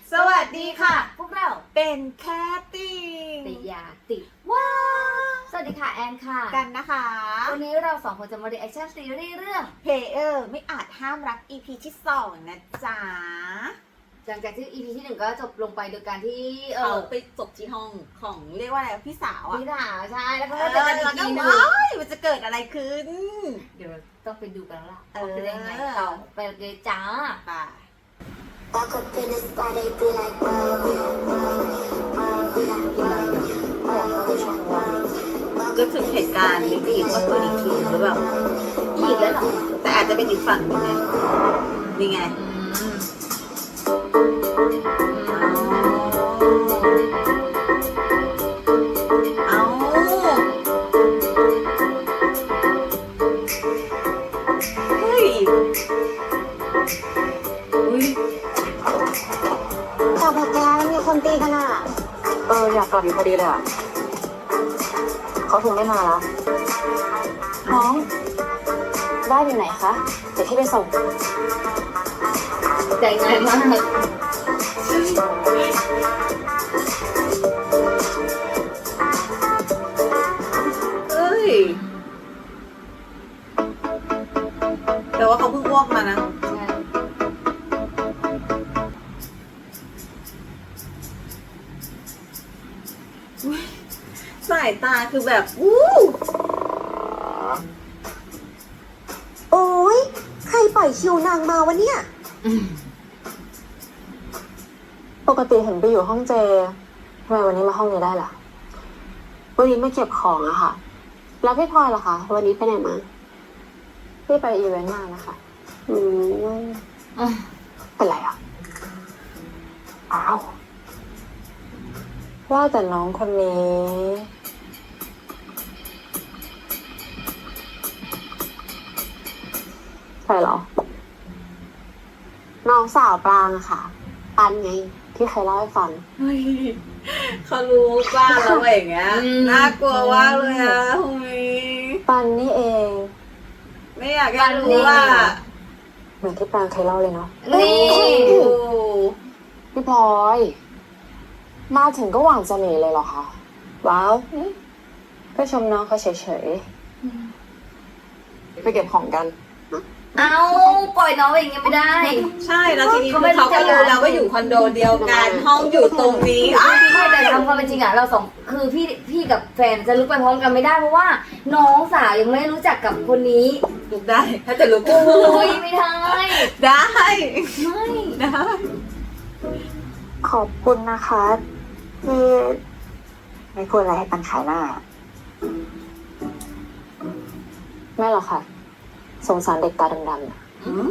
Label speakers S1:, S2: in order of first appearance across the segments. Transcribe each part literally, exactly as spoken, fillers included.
S1: สวัสดีค่ะ
S2: พวกเรา
S1: เป็นแคตตี้
S2: ติยาติว้าสวัสดีค่ะแอนค่ะ
S1: กันนะคะ
S2: วันนี้เราสองคนจะมารีแอคชั่นซีรีส์เรื่อง
S1: เพลเยอร์ไม่อาจห้ามรัก อี พี ที่สองนะจ๊ะ
S2: หลังจากที่ อี พี ที่หนึ่งก็จบลงไปโดยการที่เอ
S1: เขา
S2: อ
S1: ไปจบที่ห้องของเรียกว่าอะไรพี่สาวอ่ะ
S2: พี่ถาใช่แล้วก็
S1: เออ
S2: เจอกันอี
S1: แล้ว
S2: ก
S1: ก็
S2: ทีหนึง
S1: ว้ายมันจะเกิดอะไรขึ้น
S2: เดี๋ยวต้องไปดูกันแล้วล่ะ
S1: เออ
S2: ว่าเป็นยังไงต่อไปเลยจ้า
S1: ไป
S3: Walk up in the spot, they be like, whoa, whoa,
S1: ก็ถึงเหตุการณ์ไม่ผิดว่าตัวอีกทีหรือเปล่า
S2: อีกแล้วเหรอ
S1: แต่อาจจะเป็นอีกฝั่งหนึงไงนี่ไง
S2: อืม
S1: เอาเฮ้ยอุ้ย
S3: แต่พอแกแล้วมีคนตีกันอ่ะ
S4: เอออยากกลับอยู่พอดีเลยอ่ะเขาคงไม่มาแล้วน้องบ้านอยู่ไหนคะเดี๋ยวพี่ไปส่ง
S2: ใจง่ายมาก
S1: เอ้ยแต่ว่าเขาเพิ่งอ้วกมานะ
S2: ใช่
S1: สายตาคือแบบอู้
S3: โอ้ยใครปล่อยคิวนางมาวะเนี่ย
S2: อืม
S4: ปกติเห็นไปอยู่ห้องเจทำไมวันนี้มาห้องนี้ได้ล่ะวันนี้มาเก็บของอะค่ะ แล้วพี่พลอยล่ะคะวันนี้ไปไหนมาพี่ไปอีเวนต์มานะคะอืม
S2: อ่ะ
S4: เป็นไรอ่ะอ้าวว่าแต่น้องคนนี้ใครเหรอ น้องสาวปรางอะค่ะ ปันไง ที่ใครเล่าให้ฟัง
S1: เฮ้ยเขารู้บ้างแล้วว่าอย่างเงี้ยน่ากลัวว่ากเลยอะทำไม
S4: ปันนี่เอง
S1: ไม่อยากให้รู้ว่า
S4: เหมือนที่ปรางเคยเล่าเลยเนาะ
S2: นี่
S1: โอ้
S4: พี่พลอย มาถึงก็หวังจะหนีเลยเหรอคะ ว้าว ก็ชมน้องเขาเฉยๆ ไปเก็บของกัน
S2: เอาปล่อยน้องอย่างเงี้ยไม่ได้
S1: ใช่แล้วทีนี้
S2: เขาไม่
S1: เขาก็รู้
S2: รู้จัก
S1: แล้วว่าอยู่คอนโดเดียวกันห้องอยู่ตรงนี้อ้าว
S2: ไม่แต่ทำความเป็นจริงอะเราสองคือพี่พี่กับแฟนจะลุกไปพร้อมกันไม่ได้เพราะว่า น้องสาวยังไม่รู้จักกับคนนี้
S1: ลุกได้ ถ้าจะลุก
S2: โอ้ยไม่ได้
S1: ได้
S2: ไม่
S1: ได้
S3: ขอบคุณนะคะที่ไม่พูดอะไรให้ปันขายหน้า
S4: ไม่หรอกค่ะ สงสารเด็กตาดำๆน่ะ
S1: อืม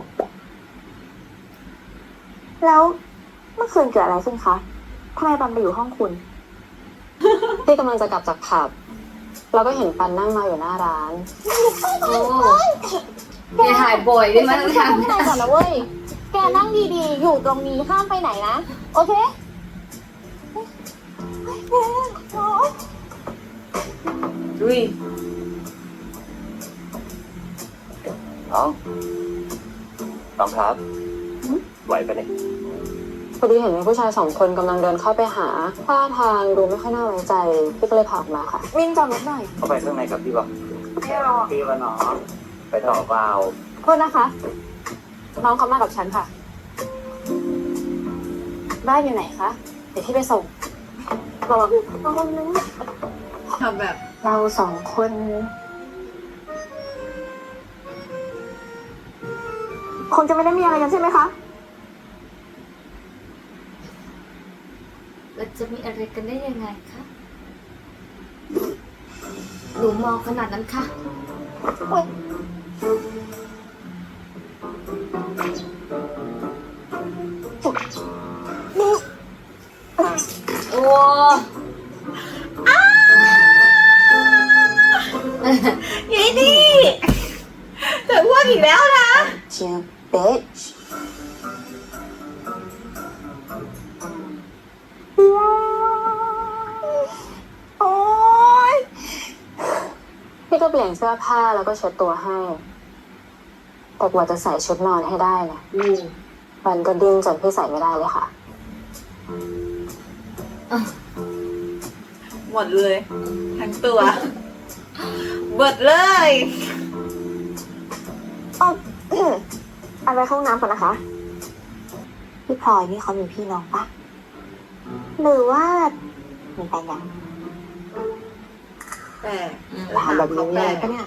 S3: แล้วเมื่อคืนเกิดอะไรขึ้นคะทำไมปันไปอยู่ห้องคุณ
S4: พี่กำลังจะกลับจากผับ เราก็เห็นปันนั่งมาอยู่หน้าร้าน
S2: โอ้อย่าถ่ายบ่อยได้ไหมต้องท
S3: ไม่ได้ก่อนนะเว้ย แกนั่งดีๆ อยู่ตรงนี้ห้ามไปไหนนะ โอเค
S1: ดุย
S5: น้องน้องครับ ไหวปะเนี่ย
S4: พอดีเห็นมีผู้ชายสองคนกำลังเดินเข้าไปหาท่าทางดูไม่ค่อยน่าไว้ใจ พี่ก็เลยพาออกมาค่ะ
S3: วิ่งจอดรถหน่อย
S5: เข้าไปข้างในกับพี่บอก
S3: ไม่รอ
S5: พี่วะน้องไปต่อเปล่า
S4: โทษนะคะ น้องเขามากับฉันค่ะ บ้านอยู่ไหนคะ เดี๋ยวพี่ไปส่งระวังระวังนะ
S1: ทำแบบ
S3: เราสองคน คงจะไม่ได้มีอะไรกันใช่ไหมคะ
S2: ำเราจะมีอะไรกันได้ยังไงคะหนูมองขนาดนั้นค่ะโอ้
S1: ยายนี่เธออ้วกอีกแล้วนะ
S4: You bitch
S3: โอ๊ย
S4: พี่ก็เปลี่ยนเสื้อผ้าแล้วก็เช็ดตัวให้ แต่กว่าจะใส่ชุดนอนให้ได้นะ
S1: อืม
S4: มันก็ดิ้นจนพี่ใส่ไม่ได้เลยค่ะ
S1: หมดเลยทั้งตัวเบิดเลย
S3: อ๋อ เอาไปเข้าห้องน้ำก่อนนะคะ พี่พลอยนี่เขามีพี่น้องปะหรือว่ามีแฟนยัง
S1: แต่
S3: ถามแบบนี้มีอะไรปะเนี่ย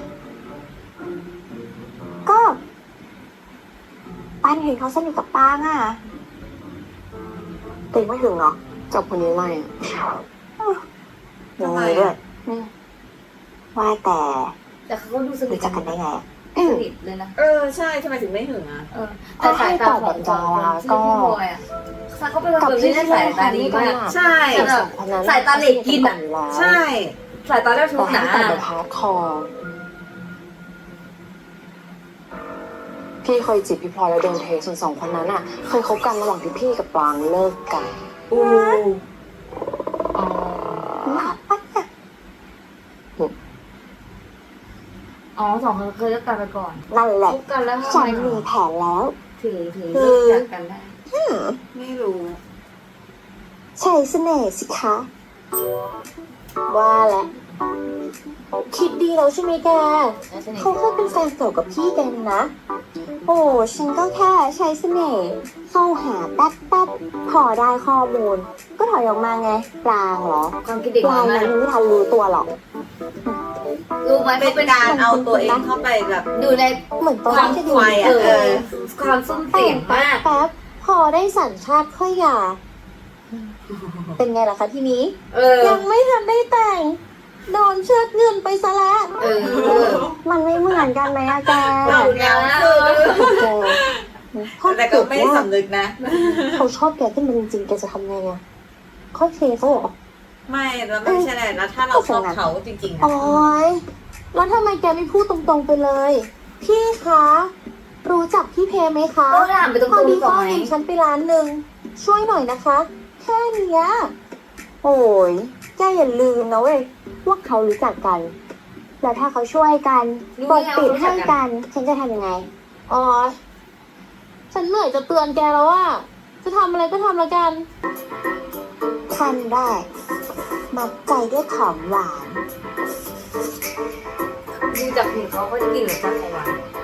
S3: ก็ปันเห็นเขาสนิทกับปางอ่ะติงไม่ถึงเนาะ
S4: กับคนนี้ไม่อะ
S3: ยังไงด้วยอืมว่าแต่
S2: แต่เขาก็ดูสนิ
S3: รู้
S2: ท
S3: จักกันได้ไงอะ
S2: สนิทเลยนะ
S1: เออใช่ทำไมถึงไม่หึงอ่ะ
S2: เออแต่สายตาของของที่พี่บอยอ่ะเขาเป็นคนที่ได้สายตาดีมาก
S1: ใช่
S2: แต่แบบสายตาเหล็กกินอ่ะ
S1: ใช่
S2: สายตาเจ้าชู้
S4: แต่
S2: หนา
S4: ตั้งแต่แบบฮาร์ดคอร์พี่เคยจีบพี่พลอยแล้วโดนเทส่วนสองคนนั้นอ่ะ เคยคบกันระหว่างที่พี่กับปรางเลิกกัน
S1: อู้
S2: อ๋อ
S3: หมาปะเนี่ย
S2: อ๋อสองคนเคยเลิกกันไปก่อน
S3: นั่นแห
S2: ค
S3: ละ
S2: บกันแล้วทำ
S3: ฉั
S2: ไม
S3: นมีแผนแล้ว
S2: ถึงถึงเลิกจากกันได้
S1: ไม่รู้
S3: ใช้เสน่ห์สิคะ
S4: ว่าแล้วคิดดีแล้วใช่ไหมแก
S2: แล้วสนิท
S3: เขาเคยเป็นแฟนเก่ากับพี่แกนนะ โอ้ฉันก็แค่ใช้เสน่ห์เข้าหาแป๊บแป๊บพอได้ข้อมูล ก็ถอยออกมาไงปลางเหรอ
S2: ความคิดเด็ก
S3: ปลาง
S2: มา
S3: นั้
S2: ก
S3: นไม่ทันรู้ตัวหรอก
S2: รู้ไหม
S1: เป็
S2: เขา
S1: น
S2: เป็น
S1: การเอาตัวเองเข้าไปแบบ
S2: ดูใน
S3: เหมือนตอน
S2: ความ
S3: ที่
S2: สุ
S3: ดู
S2: ข
S1: ไฟอะ
S2: เอ
S1: เอ
S2: อ
S1: อ
S2: ความซุ่ม
S3: แต่
S2: เสีย
S3: ง
S2: ง
S3: แป๊
S2: มาก
S3: บแป๊บพอได้สัญชาติค่อยหย่าเป็นไงล่ะคะทีนี้
S2: เออ
S3: ยังไม่ทันได้แต่งโดนเชิดเงินไปซะแล้ว
S2: เออ
S3: มันไม่เหมือนกันไหมอะแก
S1: เราแล้วคือ
S3: แกถ้า
S1: แต่ก็
S3: เกิด
S1: ไม่
S3: ว่า
S1: สำนึกนะ
S3: เขาชอบแกขึ้นมาจริงๆแกจะทำไงอะค่อยเทเขาเหรอ
S1: ไม่แล้วไม่ใช่แหละแล้วถ้าเราชอบเขาจริงๆอะ
S3: โอ๊ยแล้วทำไมแกไม่พูดตรงๆไปเลย พี่คะ รู้จักพี่เพไหมคะ
S2: ก็ถามไปตร
S3: พอง ดี
S2: ๆก่อ
S3: เขา
S2: นไหม
S3: เห็นฉันไปร้านหนึ่งช่วยหน่อยนะคะ แค่เนี้ยโอ้ยแกอย่าลืมนะเว้ยว่าเขารู้จักกัน แล้วถ้าเขาช่วยกันปกปิดให้กัน ฉันจะทำยังไง
S4: อ๋อ ฉันเหนื่อยจะเตือนแกแล้วว่า จะทำอะไรก็ทำแล้วกัน
S3: ขั้นแรกมัดใจด้วยของหวาน
S2: ดูจากผิวเขาก็กินหรือจักของหวาน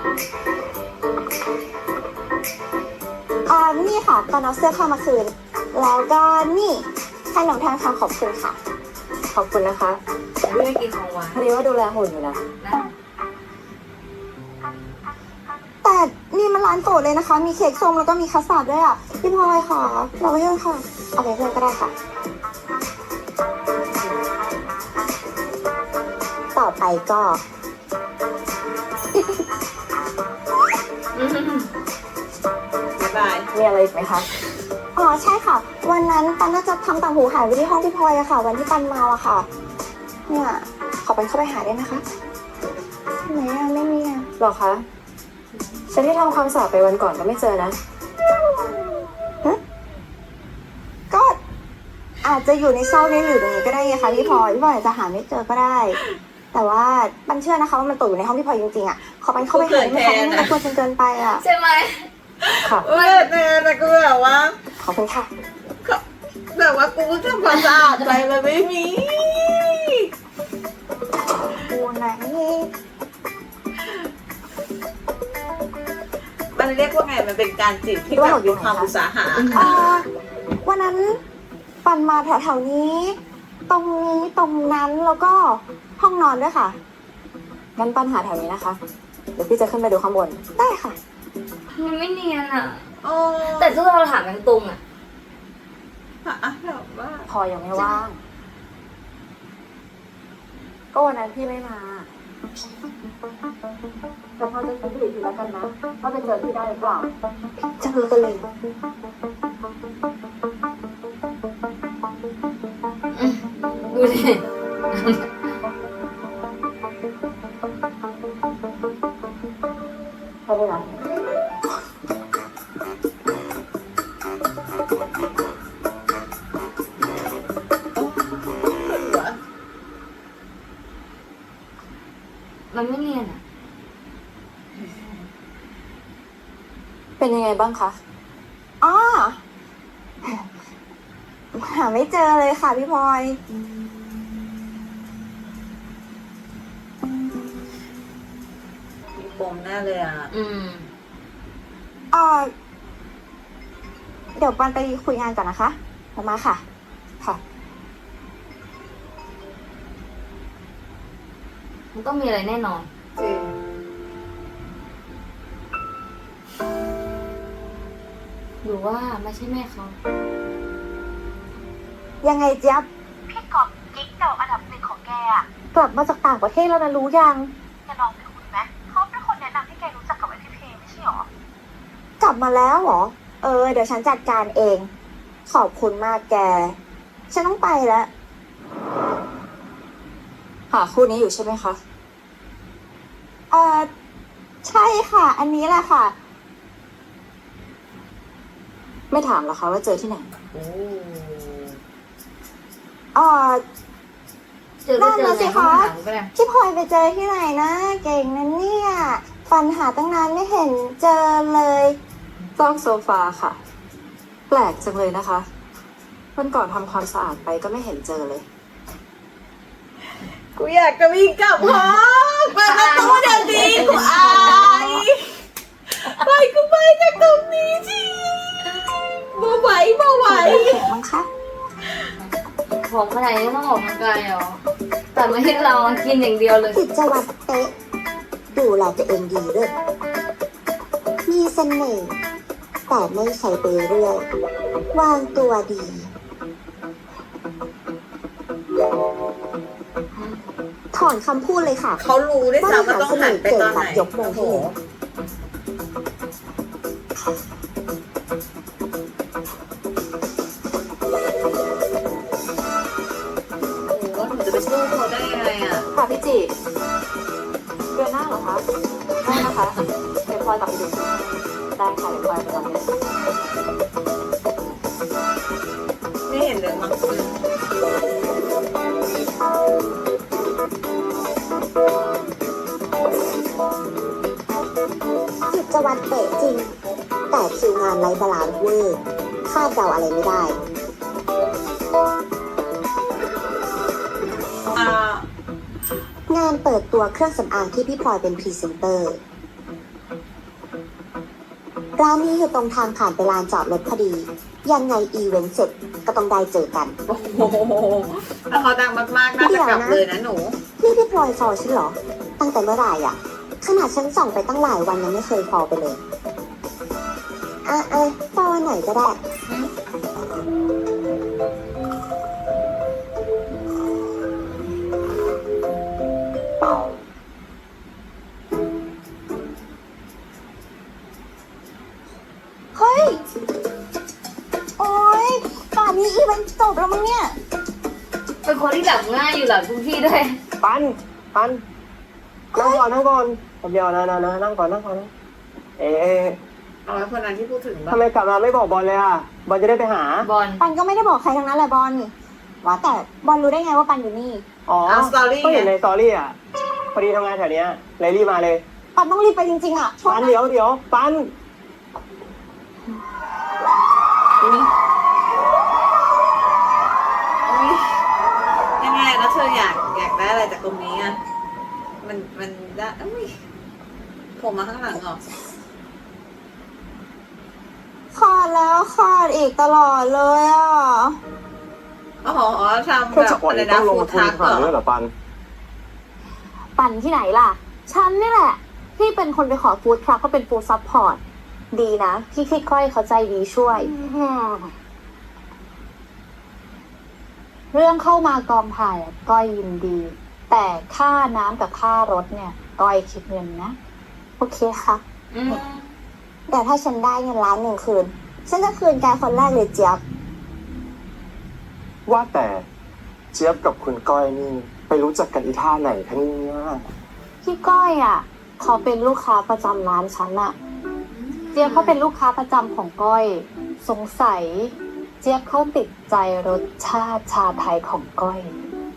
S3: อ่านี่ค่ะ ตอนเอาเสื้อเข้ามาคืน แล้วก็นี่ขนมทางคำขอบคุณค่ะ
S4: ขอบคุณนะคะ
S2: แต่พี่ไม่กินของหวาน
S4: พอดีว่าดูแลหุ่นอยู่นะ
S2: นะ
S3: แต่นี่มันร้านโปรดเลยนะคะ มีเค้กส้มแล้วก็มีคัสตาร์ดด้วยอ่ะ พี่พลอยค่ะ เราไปเพื่อนค่ะ เอาไปเพื่อนก็ได้ค่ะ ต่อไปก็
S2: อืม
S1: บ๊ายบาย
S4: มีอะไรอีกไหมคะ
S3: อ๋อใช่ค่ะ วันนั้นปันน่าจะทำต่างหูหายไว้ที่ห้องพี่พลอยอะค่ะ วันที่ปันมาอะค่ะ เนี่ยขอปันเข้าไปหาได้ไหมคะไหนอะไม่มีอะ
S4: หรอคะ ฉันที่ทำความสะอาดไปวันก่อนก็ไม่เจอนะ
S3: ก็อาจจะอยู่ในซอกนี้หรือตรงนี้ก็ได้ไงคะพี่พลอยพี่พลอยอาจจะหาไม่เจอก็ได้ แต่ว่าปันเชื่อนะคะว่ามันตกอยู่ในห้องพี่พลอยจริงๆอะขอปันเข้าไปหาได้ไหมคะไม่รบกวนจนเกินไปอะ
S2: ใช่ไหม
S4: ค่ะ
S1: เออแต่แต่กูแบบว่า
S3: ขอบคุณค่ะ
S1: แบบว่ากูเพิ่งทำความสะอาดไปมันไม่มี
S3: กูไหน
S1: มันเรียกว่าไงมันเป็นการจีบที่แบบมีความอุตสาหะ
S3: อ่าวันนั้นปันมาแถวๆนี้ ตรงนี้ตรงนั้นแล้วก็ห้องนอนด้วยค่ะ
S4: งั้นปัญหาแถวนี้นะคะ เดี๋ยวพี่จะขึ้นไปดูข้างบน
S3: ได้ค่ะ
S2: มันไม่เนียนอ่ะ
S1: โอ้
S2: แต่ทุกเราถามกันตรงอ่ะ
S1: อะแบบว่า
S4: พอยังไม่ว่าง ก็วันนั้นพี่ไม่มา แต่พอจะคิดดูอีกทีแล้วกันนะว่าจะเจอพี่ได้หรือเปล่า
S3: เจอกันเลย
S2: ดูดิ
S4: ใช่ไหมล่ะ
S2: มันไม่เนียนอ่ะ
S4: เป็นยังไงบ้างคะ
S3: อ๋อหาไม่เจอเลยค่ะพี่พลอย
S1: มีปมแน่เลยอ่ะ
S2: อืม
S3: เออเดี๋ยวปันไปคุยงานก่อนนะคะมามาค่ะ ค่ะ
S2: มันต้องมีอะไรแน่นอน
S1: จริง
S2: หรือว่าไม่ใช่แม่เขา
S3: ยังไงเจี๊ยบพี่กอบกิ๊กเก่าอันดับหนึ่งของแกอะกลับมาจากต่างประเทศแล้วนะรู้ยังแกลองไปคุยไหมเขาเป็นคนแนะนำให้แกรู้จักกับไอพี่เพลงไม่ใช่หรอกลับมาแล้วเหรอ เออ เดี๋ยวฉันจัดการเอง ขอบคุณมากแก ฉันต้องไปแล้ว
S4: หาคู่นี้อยู่ใช่ไหมคะ
S3: เออใช่ค่ะ อันนี้แหละค่ะ
S4: ไม่ถามหรอคะว่าเจอที่ไหน
S1: โอ้
S3: เออ
S2: เจอก็เจอ
S3: นั่นน่ะสิ
S2: ในห้อง
S3: คะ
S2: หนังก็ได้
S3: พี่พลอยไปเจอที่ไหนนะ เก่งนะเนี่ยปัญหาตั้งนานไม่เห็นเจอเลย
S4: ซอกโซฟาค่ะ แปลกจังเลยนะคะวันก่อนทำความสะอาดไปก็ไม่เห็นเจอเลย
S1: กูอยากจะวิ่งกลับห้องเปิดประตูเดี๋ยวนี้กูอายไปกูไปจากตรงนี้ทีบ่ไหวบ่ไหว
S3: เห็นมั้งคะ
S2: ของขนาดนี้ต้องออกกำลังกายเหรอ แต่ไม่ให้เรากินอย่างเดียวเลย
S3: กิจวัตรเป๊ะดูแลตัวเองดีด้วยมีเสน่ห์แต่ไม่ใช้ไปเรื่อยวางตัวดี ถอนคำพูดเลยค่ะ
S1: เขารู้ด้วยซ้ำว่าต้องหันไปตอนไหน
S3: ยกมือ
S1: โอ้
S3: ให้
S1: โห
S3: เลย
S1: โอ้โหหนูจะไปสู้เขาได้ยังไงอ่ะ
S4: ค่ะพี่จีเดือนหน้าเหรอคะ ได้นะคะเดี๋ยวพลอยกลับไปดูคุณได้ค่ะเดี๋ยวพลอยไปตอนนี้
S1: ไม่เห็นเลยมั้ง
S3: กิจวัตรเป๊ะจริง แต่คิวงานไร้บาลานซ์เวอร์คาดเดาอะไรไม่ได้
S1: อ่าง
S3: านเปิดตัวเครื่องสำอางที่พี่พลอยเป็นพรีเซนเตอร์ ร้านนี้อยู่ตรงทางผ่านไปลานจอดรถพอดี ยังไงอีเวนต์เสร็จก็ต้องได้เจอกัน
S1: โอ้โหถ้าเขาดังมากๆน่าจะกลับเลยนะหนู
S3: นี่พี่พลอยฟอลฉันเหรอ ตั้งแต่เมื่อไหร่อ่ะ ขนาดฉันส่องไปตั้งหลายวันยังไม่เคยฟอลไปเลย อ่ะอ่ะฟอลวันไหนก็ได้ เฮ้ย โอ๊ยป่านนี้อีเวนต์จบแล้วมั้งเนี่ย
S2: เป็นคนที่หลับง่ายอยู่หลับทุกที่ด้วย
S6: ปัน ปัน นั่งก่อนนั่งก่อนผมเดียวนะนะนะนั่งก่อนนั่งก่อนนะเอ๊ะ
S1: เอาไว้คนนั้นที่พูดถึงแบ
S6: ทำ
S1: บ
S6: ไมกลับมาไม่บอกบอลเลยอ่ะ บอลจะได้ไปหา
S2: บอล
S3: ปันก็ไม่ได้บอกใครทั้งนั้นแหละบอล ว่าแต่บอลรู้ได้ไงว่าปันอยู่นี่
S6: อ๋อ
S1: เอาสตอรี่
S6: ก็
S1: ไง
S6: เห็นในสตอรี่อ่ะ พอดีทำงานแถวเนี้ยเลยรีบมาเลย
S3: ปันต้องรีบไปจริงๆอ่ะโทษ
S6: ปัน
S3: นะ
S6: เดี๋ยวเดี๋ยวปัน
S1: อุ๊ยอุ๊ยยังไงแล้วเธออยากอยากได้อะไรจากตรงนี้อ่ะ มันมันได้อุ้ยผมมาข้างหลังเหรอ
S3: คลอดแล้วคลอดอีกตลอดเลยอ่ะ
S1: อ๋ออ๋อทำ
S6: เพื่
S1: แบ
S6: อจะ
S1: บ
S6: ปล่อย
S1: อะไร
S6: ต้
S1: นะ
S6: องลง
S1: ฟู
S6: ทุน
S1: ทัก
S6: ขนาด
S1: เหร
S6: นี้
S1: อ
S6: เหรอปัน
S3: ปันที่ไหนล่ะ ฉันนี่แหละ พี่เป็นคนไปขอฟู้ดทรัคก็เป็นฟู้ดซัพพอร์ต ดีนะ พี่พี่ก้อยเขาใจดีช่วย
S7: เรื่องเข้ามากองถ่ายอะก้อยยินดี แต่ค่าน้ำกับค่ารถเนี่ยก้อยคิดเงินนะ
S3: โอเคค่ะ
S2: อืม
S3: แต่ถ้าฉันได้เงินล้านหนึ่งคืน ฉันจะคืนแกคนแรกเลยเจี๊ยบ
S6: ว่าแต่เจี๊ยบกับคุณก้อยนี่ ไปรู้จักกันอีท่าไหนคะเนี่ย
S7: พี่ก้อยอ่ะเขาเป็นลูกค้าประจำร้านฉันอะเจี๊ยบเขาเป็นลูกค้าประจำของก้อย สงสัย เจี๊ยบเขาติดใจรสชาติชาไทยของก้อย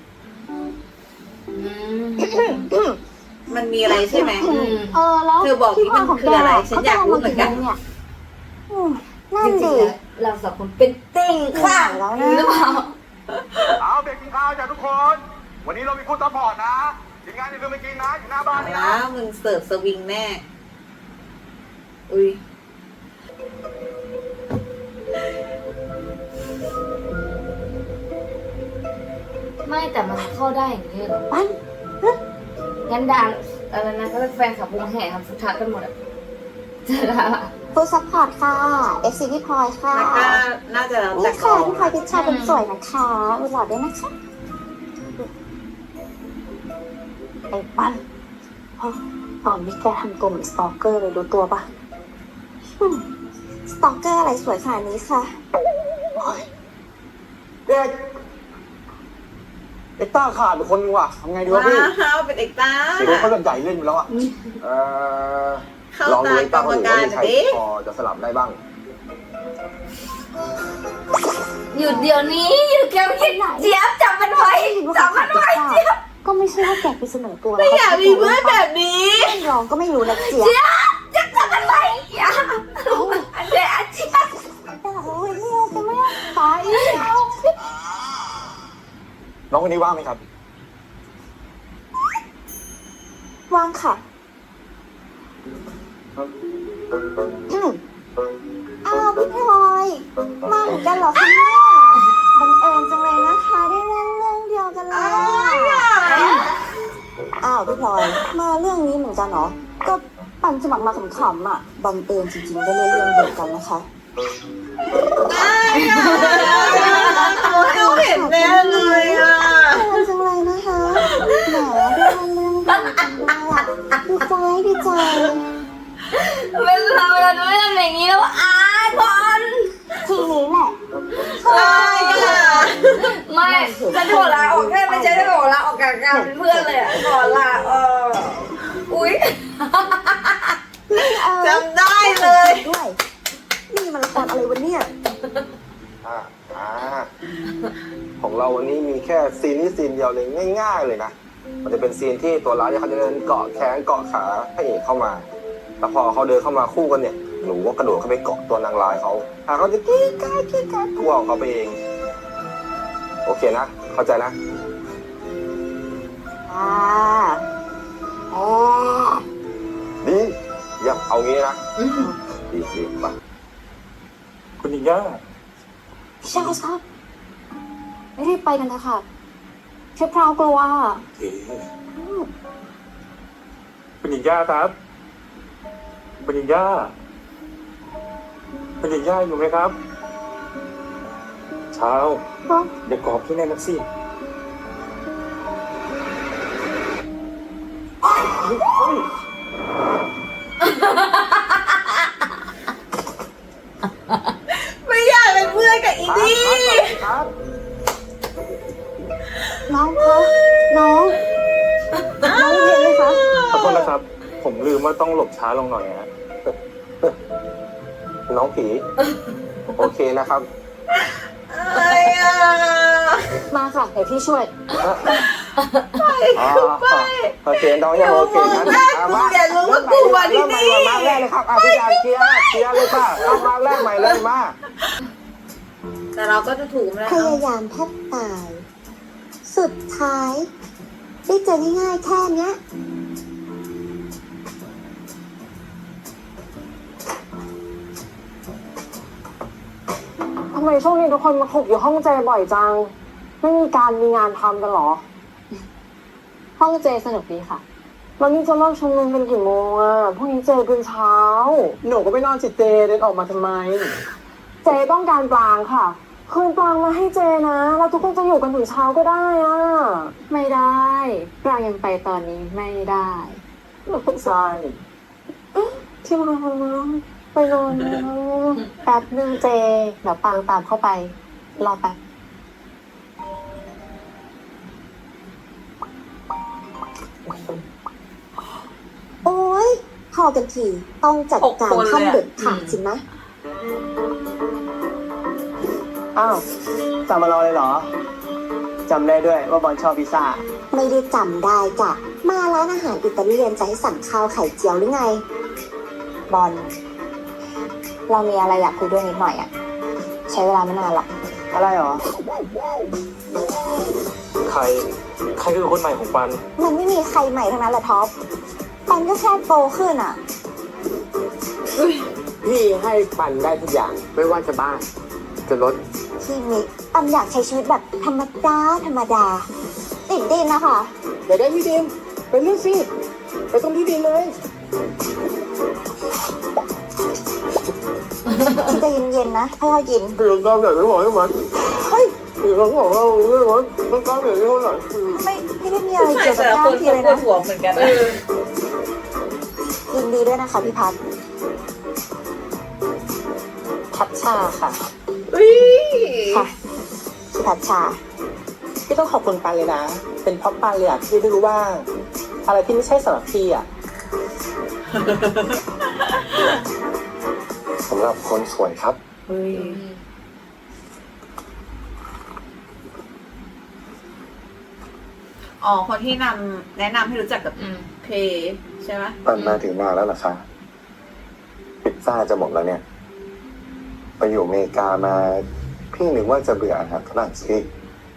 S2: อืม
S1: มันมีอะไรใช่ไหม
S2: อืม
S3: เออแล้ว
S1: เธอบอกดิ
S3: ที่พักของ
S1: มันคืออะไร
S3: แก
S1: ฉันอยากรู้เหมือนกัน
S3: ขาจะาากี่โมงยอืมนั่นดิ
S2: เราสองคนเป็นเต่งค่ะ
S3: แล้วนะ
S2: หรือเปล่า
S5: เอาเบรกกินข้าวจ้ะทุกคน วันนี้เรามีคู่ซัพพอร์ตนะทีมงานอย่าลืมไปกินนะอยู่หน้าบ้านนี่
S1: แล้
S5: นะ
S1: วมึงเสิร์ฟสวิงแน่ อุ้ย
S2: ไม่แต่มันเข้าได้อย่างนี้เหรอ
S3: ปั้น
S2: งั้นดังอะไรนะก็เป็นแฟนขับวงแห่ทำฟุตทักกันหมดอ่ะจะได้
S3: ฟูลซัพพอร์ตค่ะ เอฟ ซี พี่พลอยค่ะ
S1: แล้วก็น่าจะแล้วแต่
S3: นี่
S1: กอ
S3: ค่ะ
S1: ง
S3: พี่พลอยพิชชาเป็นสวยนะคะอุดหล่อด้วยนะคะไอ้ปั้นเฮ้ยตอนนี้แกทำตัวเหมือนสตอกเกอร์เลยรู้ตัวปะอืมสตอกเกอร์อะไรสวยขนาดนี้ค่ะ
S6: เด็กเอ็กต้าขาดไปคนนึงว่ะทำไงดีวะพี่
S1: ว้าวเป็นเอกตา
S6: เดี๋ยวเขาจะใหญ่เล่นอยู่แล้วอ่ะ
S5: เอ่อ
S1: เข้า
S5: ลองดู
S1: ตา
S5: ไอ้
S1: กร
S5: ตั้ง
S1: รม
S5: หรือ
S1: การ
S5: ว่ามี
S1: หน่
S5: ใคร
S1: อยดิ
S5: พอจะสลับได้บ้าง
S2: หยุดเดี๋ยวนี้หยุดแกไม่คิดเจี๊ยบจับมันไว้จับมันไว้เจี๊ยบ
S3: ก็ไม่ใช่ว่าแกไปเสนอตัว
S1: ไม่อยากมีเพื่อนแบบนี้
S3: ลองก็ไม่รู้นะเจี๊ยบ
S2: เจี๊ยบจะจับมันไว้เจี๊ยบอันเดียเจี๊ยบ
S3: โอ้ยไม่เอาจะไม่เอาไปไม่เอา
S5: น้องคนนี้ว่างไหมครับ
S3: วางค่ะอืมอ้าวพี่พลอยมาเหมือนกันเหรอคะเนี่ยบังเอิญจังเลยนะคะได้เล่นเรื่องเดียวกันเลยอ้าวพี่พลอยมาเรื่องนี้เหมือนกันเหรอก็ปั่นสมัครมาขำๆอ่ะบังเอิญจริงๆได้เล่นเรื่องเดียวกันนะคะ
S1: ดูเห็นแน่เลยอ่ะ
S3: บังเอิญจังเลยนะคะแหมได้เล่นเรื่องเดียวกันด้วยอ่ะดีใจดีใจ
S2: เวลาเวลาไม่ทำอย่างนี้แล้วอายบอล
S3: ทีนี้แหละ
S1: อายอ่ะ
S2: ไม่ฉันขอลาออกแค่ไม่ใช่ฉันขอลาออกจากการเป็นเพื่อนเลยอ่ะขอลาเอออุ้ย
S1: จำได้เลย
S3: ด้วย นี่มันละครอะไรวะเนี่ย
S5: อ่าอ่าของเราวันนี้มีแค่ซีนนี้ซีนเดียวเลยง่ายๆเลยนะ มันจะเป็นซีนที่ตัวร้ายเนี่ยเขาจะเดินเกาะแขนเกาะขาพระเอกเข้ามาแต่พอเขาเดินเข้ามาคู่กันเนี่ยหนูก็กระโดดเข้าไปเกาะตัวนางร้ายเขาหาเขาจะกี้กาดกี้กาดกลัวของเขาไปเอง โอเคนะ เข้าใจนะ
S3: อ่าอ๋อ
S5: ดีเยี่ยมเอางี้นะดีดีไปคุณยิงย่า
S3: พี่ชายครับไม่ได้ไปกันนะคะเชฟพราวกลัว
S5: เอ๊คุณหญิงย่าครับคุณหญิงย่าคุณหญิงย่าอยู่ไหมครับเช้า
S3: เนาะ
S5: เดี๋ยวกรอบที่แน่นักสิ
S1: ไม่อยากเป็นเพื่อนกับอีนี่
S5: ครับ
S3: น้องคะน้องน้องเรียนไหมคะ
S5: ขอโทษนะครับ ผมลืมว่าต้องหลบช้าลงหน่อยฮะน้องผี โอเคนะครับ
S1: อะไรอ่ะ
S3: มาค่ะเดี๋ยวพี่ช่วย
S5: อ๋อโอเคน้องยังโอเคนะ
S1: แม่กูอย่ารู้ว่ากูมาที่นี่
S5: มาแรกเลยครับอ่ะพี่อยากเคลียร์เคลียร์เลยป่ะเอามาแรกใหม่เลยมา
S1: แต่เราก็จะถูกแล้ว
S3: พยายามแทบตาย สุดท้าย ได้เจอง่ายๆแค่เนี้ย
S4: ทำไมช่วงนี้ทุกคนมาถูกอยู่ห้องเจบ่อยจัง ไม่มีการมีงานทำกันเหรอ
S7: ห้องเจสนุกดีค่ะ
S4: แล้วนี่จะเลิกชุมนุมเป็นกี่โมงอ่ะพรุ่งนี้เจเป็นเช้า หนูก็ไปนอนสิเจเดินออกมาทำไม เจต้องการปลางค่ะ คืนปลางมาให้เจนะแล้วทุกคนจะอยู่กันถึงเช้าก็ได้อ่ะ
S7: ไม่ได้ปรางยังไปตอนนี้ไม่ได้
S4: ใช่ที่มาไปนอนนะ
S7: แป๊บนึงเจ เดี๋ยวปรางตามเข้าไป รอแป๊บ
S3: โอ้ยพอกันทีต้องจัดการขั้นเด็ดขาดสินะ
S6: อ้าวจำมารอเลยเหรอจำได้ด้วยว่าบอลชอบพิซซ่า
S3: ไม่ได้จำได้จ้ะ มาร้านอาหารอิตาเลียนจะให้สั่งข้าวไข่เจียวหรือไง บอล เรามีอะไรอยากคุยด้วยนิดหน่อยอ่ะช้เวลาไม่นานหรอก
S6: อะไรหรอ
S5: ใคร ใครคือคนใหม่ของปัน
S3: มันไม่มีใครใหม่ทั้งนั้นแหละท็อป ปันก็แค่โตขึ้นอ่ะ
S6: พี่ให้ปันได้ทุกอย่าง ไม่ว่าจะบ้าน จะรถ
S3: พี่มิกปันอยากใช้ชีวิตแบบธรรมดาธรรมดา ติดดินนะคะ
S6: เดี๋ยวได้พี่ดิมไปเลือกสิ ไปตรงที่ดินเลย
S3: ใจเย็นๆนะค่อยๆกิน
S6: เดี๋ยวก้าวใหญ่ไม่บอกให้มัน
S3: เฮ้ย
S6: เดี๋ยวเราบอกเราเรื่องมันต้องก้าวใหญ่เท่าไหร่
S3: ไม่ไม่ได้มีอะไร
S1: ใช่
S3: เกี่ยวกับ
S1: แต่ละ
S3: ก้า
S1: ค
S3: วน ที
S1: ก็
S3: เลย
S1: ปว
S3: นะ
S1: ดหัวเหมือนกันนะ
S3: ยินดีด้วยนะคะพี่พัด
S6: พัดชาค่ะ
S1: อุ้ย
S3: ค่ะพี่พัดชา
S6: พี่ต้องขอบคุณปันเลยนะ เป็นเพราะปันเลยอะที่ได้รู้ว่า อะไรที่ไม่ใช่สำหรับพี่อะ
S5: สำหรับคนสวยครับ
S1: เฮ้ยอ๋อคนที่นำแนะนำให้รู้จักกับ
S2: อืม
S1: เพใช่ไหม
S5: ปันมาถึงมาแล้วเหรอคะพิซซ่าจะหมดแล้วเนี่ย ไปอยู่อเมริกามา พี่นึกว่าจะเบื่ออาหารฝรั่งเศส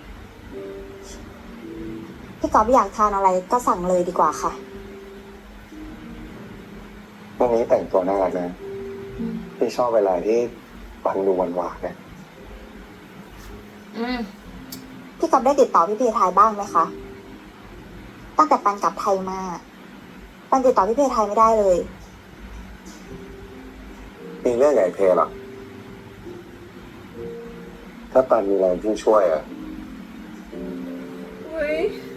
S3: พี่กอฟอยากทานอะไรก็สั่งเลยดีกว่าค่ะ
S5: วันนี้แต่งตัวน่ารักนะ พี่ชอบเวลาที่ปันดูหวานๆเนี่ย
S2: อืม
S3: พี่กอฟได้ติดต่อพี่เพทายบ้างไหมคะ ตั้งแต่ปันกลับไทยมา ปันติดต่อพี่เพทายไม่ได้เลย
S5: มีเรื่องไหนเพลหรอ ถ้าปันมีอะไรพี่ช่วยอ่ะ
S1: อุ้ย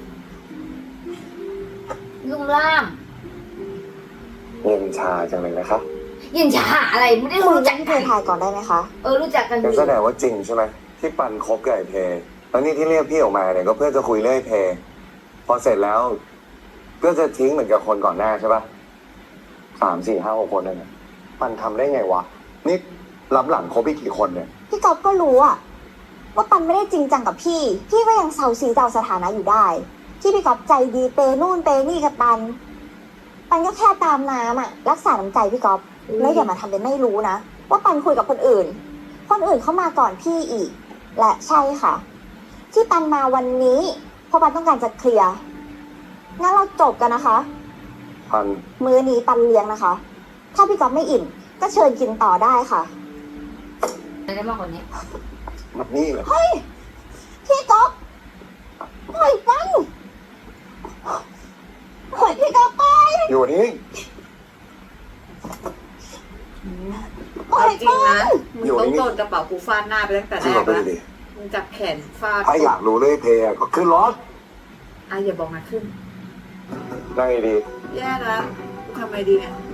S2: ลุ่มล่าม
S5: เย็นชาจังเลยนะครับ
S2: ยินจะหาอะไรไม่ได้
S3: คุย
S2: รู้
S3: กั
S2: จั
S3: บ
S2: ก
S3: พี่เพ
S2: กัน
S3: ทายก่อนได้ไหมคะ
S2: เออรู้จักกัน
S5: งั้น
S2: ดี
S5: แสดงว่าจริงใช่ไหมที่ปันคบกับไอ้เพแล้วนี่ที่เรียกพี่ออกมาเนี่ยก็เพื่อจะคุยเรื่องไอ้เพพอเสร็จแล้ว ก็จะทิ้งเหมือนกับคนก่อนหน้าใช่ปะสามสี่ห้าหกคนนั่นนะปันทำได้ไงวะ นี่รับหลังคบอีกกี่คนเนี่ย
S3: พี่กอฟก็รู้อะว่าปันไม่ได้จริงจังกับพี่ พี่ก็ยังเซาซีเซาสถานะอยู่ได้ ที่พี่กอฟใจดีเปนู่นเปนี่กับปัน ปันก็แค่ตามน้ำอะรักษาน้ำใจพี่กอฟแล้วอย่ามาทำเป็นไม่รู้นะว่าปันคุยกับคนอื่น คนอื่นเข้ามาก่อนพี่อีก และใช่ค่ะ ที่ปันมาวันนี้เพราะปันต้องการจะเคลียร์งั้นเราจบกันนะคะ
S5: ปัน
S3: มื้อนี้ปันเลี้ยงนะคะ ถ้าพี่กอฟไม่อิ่มก็เชิญกินต่อได้ค่ะ
S2: ได้มากกว่านี้
S5: มันนี่เหรอ
S3: พี่ก๊อฟปล่อยปันปล่อยพี่ก๊อฟไป
S5: อยู่นี่
S3: ปล่อ
S1: เอา
S3: ย
S1: จริง
S3: ปั
S1: นะ
S3: น
S1: มึงต้องโดนกระเป๋ากูฟาดหน้าไปตั้งแต่
S5: จริ
S1: แรง
S5: เหรอก ไป
S1: แล้ว
S5: ดิ
S1: มึงจับแขนฟาด
S5: ถ้าอยากรู้เรื่องไอ้เพอะก็ขึ้นรถ
S1: อ่ะอย่าบอกนะขึ้น
S5: นั่งดี
S1: แย่แล้วกูทำไงดีเนี่ย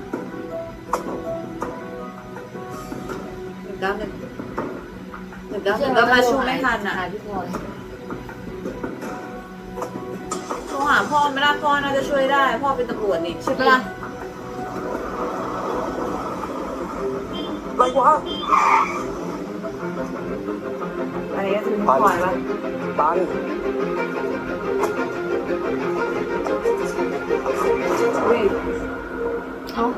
S1: หนึ่งเก้าหนึ่งหนึ่งเก้าหนึ่งก็มาช่วยไม่ทันอ่ะ
S2: หาพี่พลอย
S1: โทรหาพ่อไม่ได้พ่อน่าจะช่วยได้ พ่อเป็นตำรวจนี่ใช่ปะล่ะ
S5: ๆอะไรวะ
S1: อะไรก็ถึง
S5: ปัน
S1: ปล่อยปะ
S5: ปัน
S1: อุ้ย
S2: เอ้า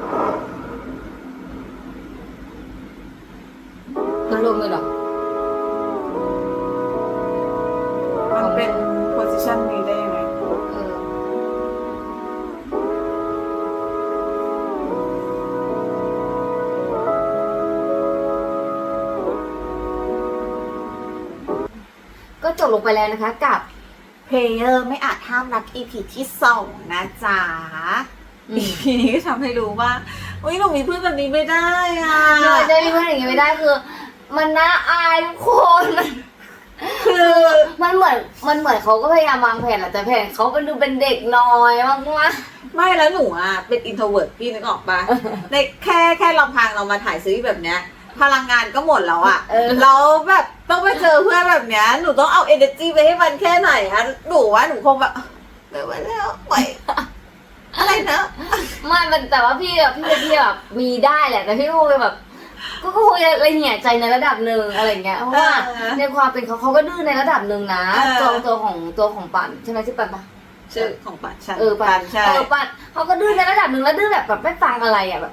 S2: มันรวมเลยเหรอ
S1: มันเป็นโพสิชันนี้ได้ยังไง
S2: เออ ก็จบลงไปแล้วนะคะกับ
S1: เพลเยอร์ไม่อาจห้ามรัก อี พี ที่สองนะจ๊ะ
S2: อืม
S1: อี พี นี้ก็ทำให้รู้ว่าอุ้ยหนูมีเพื่อนแบบนี้ไม่ได้อ่ะ
S2: เราจะมีเพื่อนอย่างนี้ไม่ได้คือ มันน่าอายทุกคนมัน
S1: คือ
S2: มันเหมือนมันเหมือนเขาก็พยายามวางแผนแหละแต่แผนเขาเป็นดูเป็นเด็กน้อยมากมาก
S1: ไม่แล้วหนูอ่ะเป็นอินโทรเวิร์ดพี่นึกออกปะในแค่แค่ลำพังเรามาถ่ายซีรีส์แบบเนี้ย พลังงานก็หมดแล้วอ่ะ
S2: เออ
S1: แล้วแบบต้องไปเจอเพื่อนแบบเนี้ยหนูต้องเอา energy ไปให้มันแค่ไหนอะหนูว่าหนูคงแบบไม่ไหวแล้วไหวอะไรนะ
S2: ไม่มันแต่ว่าพี่อะพี่เป็นพี่แบบมีได้แหละแต่พี่ก็คงแบบ ก็คงจะละเหี่ยใจในระดับหนึ่งอะไรเงี้ยเพราะว่า
S1: เออ
S2: ในความเป็นเขาเขาก็ดื้อในระดับหนึ่งนะ
S1: เออ
S2: ตัวตัวของตัวของปันใช่ไหมชื่อปันปะ
S1: ชื่อของปันชัน
S2: เออปัน
S1: ใช่
S2: เออปันเขาก็ดื้อในระดับหนึ่งแล้วดื้อแบบแบบไม่ฟังอะไรอ่ะแบบอืม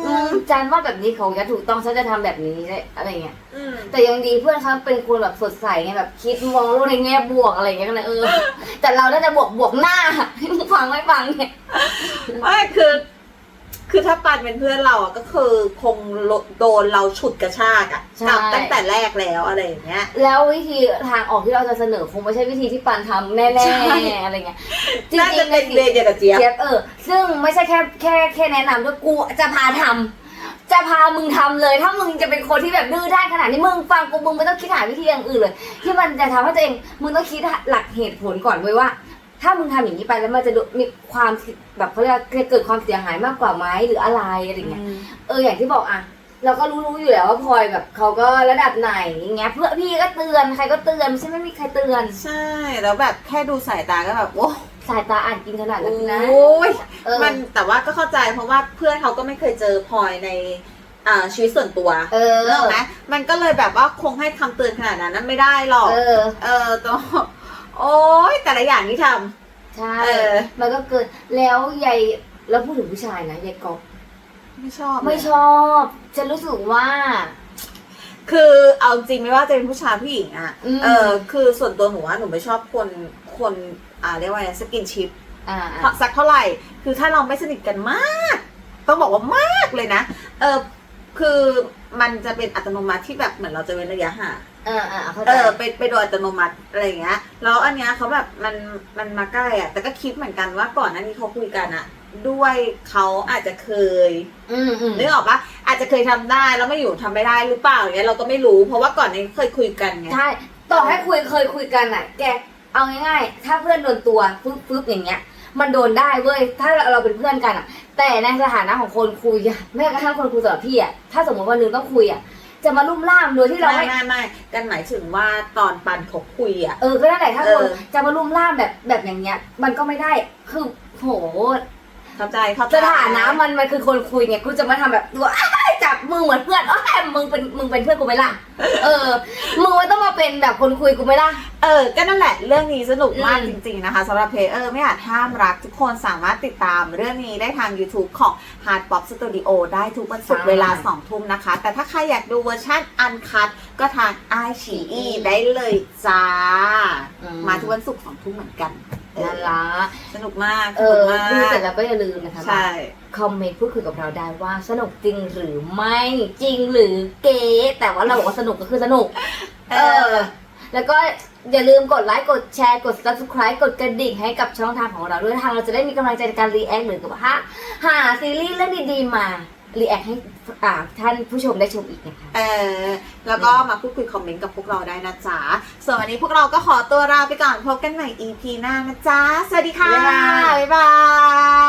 S2: อืมจันว่าแบบนี้เขาจะถูกต้องฉันจะทำแบบนี้อะไรเงี้ย
S1: อืม
S2: แต่ยังดีเพื่อนเขาเป็นคนแบบสดใสไงแบบคิดมองโลกในแง่บวกอะไรเงี้ยก็เลยเออ แต่เราน่าจะบวกบวกหน้า ฟังไม่ฟังเนี่ย
S1: ไม่คือ คือถ้าปันเป็นเพื่อนเราอะก็คือคงโดนเราฉุดกระชากอะ
S2: ใช่
S1: กลับตั้งแต่แรกแล้วอะไรอย่างเงี้ย
S2: แล้ววิธีทางออกที่เราจะเสนอคงไม่ใช่วิธีที่ปันทำแน่
S1: ใช่
S2: ๆอะไรเงี้ยจริ
S1: น่าง จะ
S2: ๆ
S1: เป็นเรียนเดียวกับเจี๊ยบ
S2: เจี๊ยบเออซึ่งไม่ใช่แค่แค่แค่แนะนำด้วยกูจะพาทำจะพามึงทำเลย ถ้ามึงจะเป็นคนที่แบบดื้อด้านขนาดนี้มึงฟังกูมึงไม่ต้องคิดหาวิธีอย่างอื่นเลย ที่มันจะทำให้ตัวเองมึงต้องคิดหลักเหตุผลก่อนเว้ยว่า ถ้ามึงทำอย่างนี้ไปแล้วมันจะมีความแบบเขาเรียกเกิดความเสียหายมากกว่าไหมหรืออะไรอะไรเงี้ยเอออย่างที่บอกอ่ะเราก็รู้ๆอยู่แล้วว่าพลอยแบบเขาก็ระดับไหนอย่างเงี้ยเพื่อพี่ก็เตือนใครก็เตือนไม่ใช่ไม่มีใครเตือน
S1: ใช่ แล้วแบบแค่ดูสายตาก็แบบโอ้
S2: สายตาอ่านกินขนาดนั้นนะ
S1: โอ้ย
S2: เออ
S1: มันแต่ว่าก็เข้าใจเพราะว่าเพื่อนเขาก็ไม่เคยเจอพลอยในอ่าชีวิตส่วนตัว
S2: เออ
S1: เนอะไหมมันก็เลยแบบว่าคงให้คำเตือนขนาดนั้นไม่ได้หรอก
S2: เออ
S1: เออต้องโอ้ยแต่ละอย่างที่ท
S2: ใช่
S1: เออ
S2: มันก็เกินแล้วยายแล้วพูดถึงผู้ชายนะยายกอบ
S1: ำไม่ชอบ
S2: ไม่
S1: เลย
S2: ชอบฉันรู้สึกว่า
S1: คือเอาจริงไม่ว่าจะเป็นผู้ชายผู้หญิงอะ
S2: อืม
S1: เออคือส่วนตัวหนูว่าหนูไม่ชอบคนคนอ่าเรียกว่าสกินชิป
S2: อ่า
S1: สักเท่าไหร่ คือถ้าเราไม่สนิทกันมาก ต้องบอกว่ามากเลยนะ เออคือมันจะเป็นอัตโนมัติที่แบบเหมือนเราจะเว้นระยะห่าง
S2: อ่าอ่าเข้าใจ
S1: เออไปไปโดยอัตโนมัติอะไรอย่างเงี้ย แล้วอันเนี้ยเขาแบบมันมันมาใกล้อ่ะ แต่ก็คิดเหมือนกันว่าก่อนหน้านี้เขาคุยกันอ่ะ ด้วยเขาอาจจะเคย
S2: อืมอืม
S1: นึกออกปะอาจจะเคยทำได้แล้วไม่อยู่ทำไม่ได้หรือเปล่าอย่างเงี้ยเราก็ไม่รู้เพราะว่าก่อนนี้เคยคุยกันไง
S2: ใช่ต่อให้คุยเคยคุยกันอ่ะ แกเอาง่ายๆถ้าเพื่อนโดนตัวฟึบฟึบอย่างเงี้ย มันโดนได้เว้ยถ้าเราเป็นเพื่อนกันอ่ะ แต่ในสถานะของคนคุยอะแม้กระทั่งคนคุยสำหรับพี่อ่ะถ้าสมมติวันหนึงต้องคุยอ่ะจะมาลุ่มล่ามโดยที่เรา
S1: ไม่
S2: ไม่
S1: ไม่ไม่กันหมายถึงว่าตอนปันเขาคุยอ่ะ
S2: เออก็นั่นแหละถ้าคน
S1: เออ
S2: จะมาลุ่มล่ามแบบแบบอย่างเงี้ย มันก็ไม่ได้คือโห
S1: เข้าใจเข้าใจ
S2: สถานะมันมันคือคนคุยไงกูจะมาทำแบบตัวอ้ายจับมือเหมือนเพื่อนอ้ายมึงเป็นมึงเป็นเพื่อนกูไหมล่ะเออมึงไม่ต้องมาเป็นแบบคนคุยกูไหมล่ะ
S1: เออก็นั่นแหละเรื่องนี้สนุกมาก
S2: อืม
S1: จริงๆนะคะสำหรับเพลเออร์ไม่อาจห้ามรักทุกคนสามารถติดตามเรื่องนี้ได้ทาง YouTube ของ Hard Pop Studio ได้ทุกวันศุกร์เวลาสองทุ่มนะคะ แต่ถ้าใครอยากดูเวอร์ชันอันคั t ก็ทาง ไอ ซี อี ได้เลยจ้า มาทุกวันศุกร์สองทุ่มเหมือนกันเออ
S2: นั่นละ
S1: สนุกมาก
S2: เอ
S1: สนุ
S2: อก
S1: มาก
S2: ดูเสร็จแล้วก็อย่าลืมนะคะ
S1: ใช่
S2: คอมเมนต์พูดคุยกับเราได้ว่าสนุกจริงหรือไม่จริงหรือเก๋แต่ว่าเราบอกว่าสนุกก็คือสนุก
S1: เอ
S2: เอ
S1: อ
S2: อ แล้วก็อย่าลืมกดไลค์กดแชร์กด ซับสไครบ์ กดกระดิ่งให้กับช่องทางของเราด้วยทางเราจะได้มีกำลังใจในการรีแอคหรือกับว่าหาซีรีส์เรื่องดีๆมารีแอคให้อ่าท่านผู้ชมได้ชมอีกนะคะ
S1: เออแล้วก็มาพูดคุยคอมเมนต์กับพวกเราได้นะจ๊ะส่วนวันนี้พวกเราก็ขอตัวลาไปก่อนพบกันใหม่ อี พี หน้านะจ๊ะสวัสดีค่ะ
S2: บ๊ายบาย
S1: บ๊ายบาย